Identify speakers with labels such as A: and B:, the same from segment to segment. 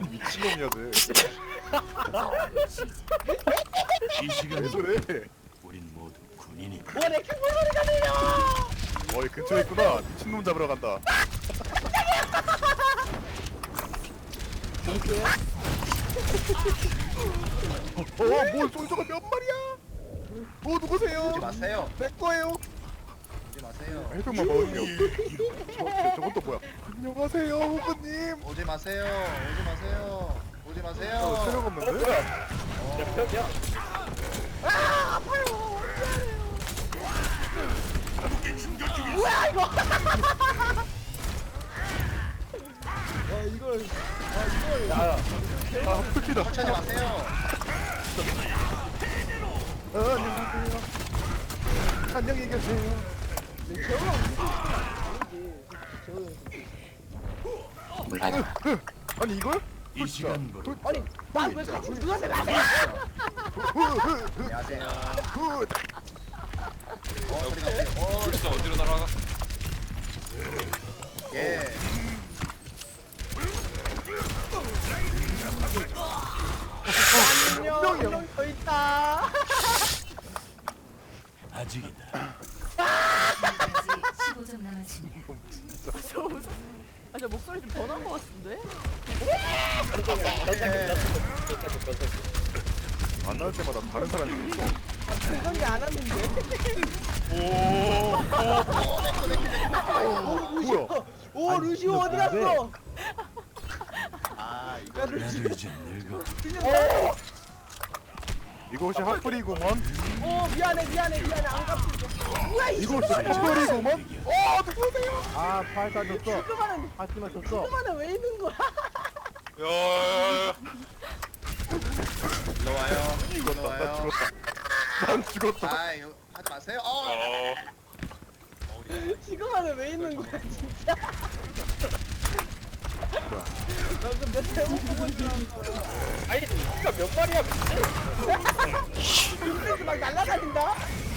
A: 미친놈이야
B: 이 시간
A: 왜 저래?
B: 우린 모두 군인이.
C: 뭐내 큰 소리가 들려.
A: 어이 근처에 있구나. 미친놈 잡으러 간다. 뭘 솔저가 몇 마리야? 누구세요?
D: 오지 마세요.
A: 내 거예요.
D: 오지 마세요.
A: 해병만 먹을게요. 저건 또 뭐야? 안녕하세요, 후보님.
D: 오지 마세요. 오지 마세요. 오지 마세요.
A: 체력 없는데?
C: 뭐야 이거?
A: 풀피다.
D: 천천히 마세요.
A: 안녕하세요. 안녕히 계세요.
E: 몰라요.
A: 아니 이걸?
B: 이 시간부로
C: 아니 나왜 같이 누나한테 나대?
D: 안녕하세요.
A: 굿.
D: 소리 나세요.
F: 진짜 어디로 날아가?
D: 예.
C: 안녕. 한명 더 있다.
B: 아직이다.
G: 15점 남았습니다.
C: 아, 저 목소리 좀 변한 것 같은데?
A: 안 나올 때마다 다른 사람이 있어.
C: 그런 게 안 왔는데.
A: 뭐야?
C: 오 루시오 어디 갔어?
D: 아, 이거
B: 나도 이제 늙어.
A: 이것이 핫플이구먼.
C: 오 미안해 안 갚을게. 뭐야 이
A: 이것이 핫플이구먼. 누구세요?
H: 아, 팔다 줬어.
C: 시그마는
H: 하지만 줬어.
C: 시그마는 왜 있는 거야?
F: 야,
D: 일로 와요. 일로
A: 죽었다. 나
D: 와요.
A: 죽었다. 난 죽었다.
D: 아, 이거 하지 마세요.
C: 시그마는 왜 있는 거야 진짜? 방금 몇 대못 보고 있었어. 아니 진짜 몇 마리야 근데? 막 날아다닌다?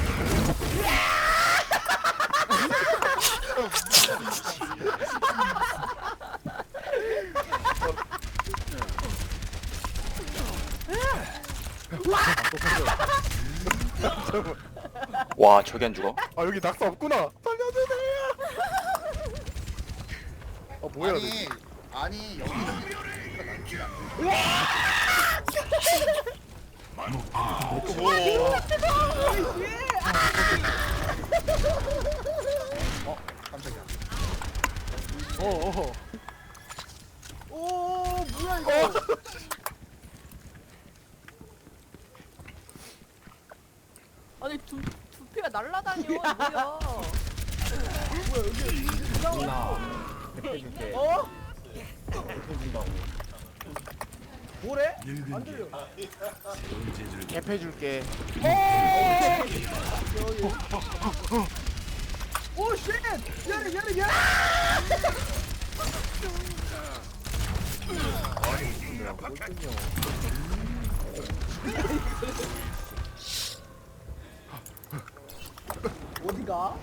E: 와, 저기 안 죽어?
A: 아 여기 낙사 없구나. 살려주세요. 뭐야?
D: 아니, 여기는 깜짝이야.
C: 오 뭐야 이거?
I: 아니 두피가 날라다녀 뭐야?
C: 어? 뭐래?
B: 늙은 게 새로운 재주를
H: 캡해줄게.
C: 오 쉣! 미안해 어디가?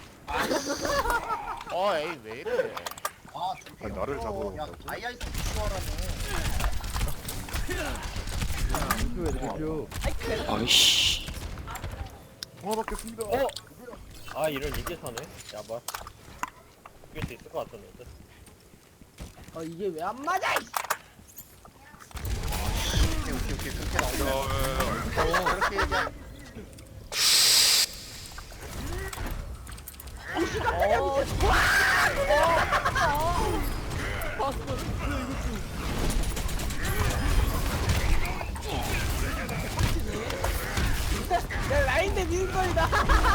H: 에이, 왜 이래.
D: 아,
A: 아니, 나를 잡으러
D: 야,
A: 온다고?
D: 아이아이스 추월하네.
E: 아이씨.
A: 통화 받겠습니다.
H: 아, 이런 이게 사네. 야봐. 이길 수 있을 것 같았는데.
C: 이게 왜 안 맞아? 이씨.
D: 오케이. 그렇게 나오네. 그렇게 얘기하
C: 야 라인 대 미는 거이다.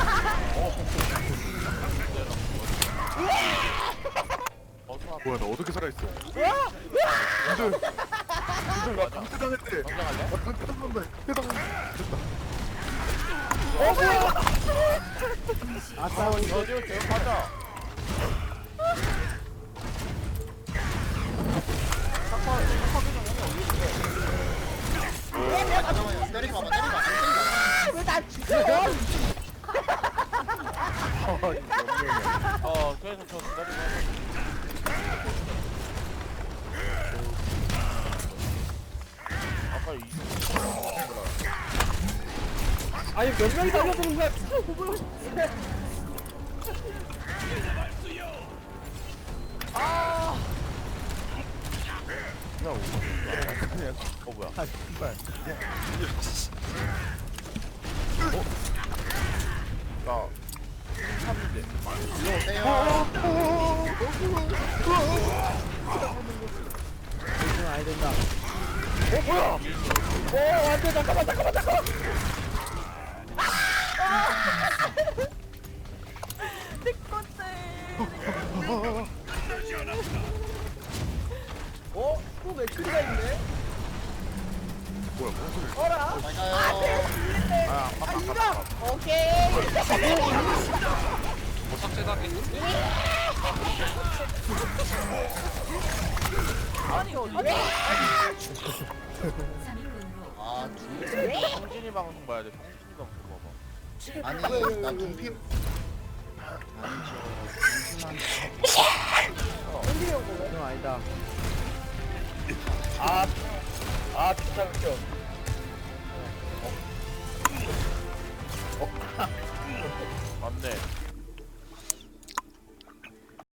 A: 뭐야 나 어떻게 살아있어?
C: 와!
A: 님들 나 강퇴당했대. 나 강퇴당한다. 됐다.
H: 아싸, 너도 제일 가자.
D: 잠깐만요. 때리지 마봐. 때리지 마. 안 때리지 마.
C: 왜 나 죽여?
H: 그래서 저 기다리고.
C: 아니 몇 명이 달려드는 거야?
A: 그냥 뭐야? 아 신발. 나
D: 일로 오세요.
C: 아니 된다. 뭐야? 안돼 잠깐만.
I: 내 건데.
C: 어? 또 맥크리가 있네?
A: 뭐야? 무슨 소리?
C: 어라?
D: 잘 가요.
I: 아니다. 오케이.
F: 뭐 삭제당해.
I: 아니 어디?
D: 아,
A: 성진이 방송 봐야 돼. 성진이 방송 봐봐.
D: 아니, 나 둠피. 아니죠. 잠시만.
C: 형 아니다.
H: 아 진짜 웃겨.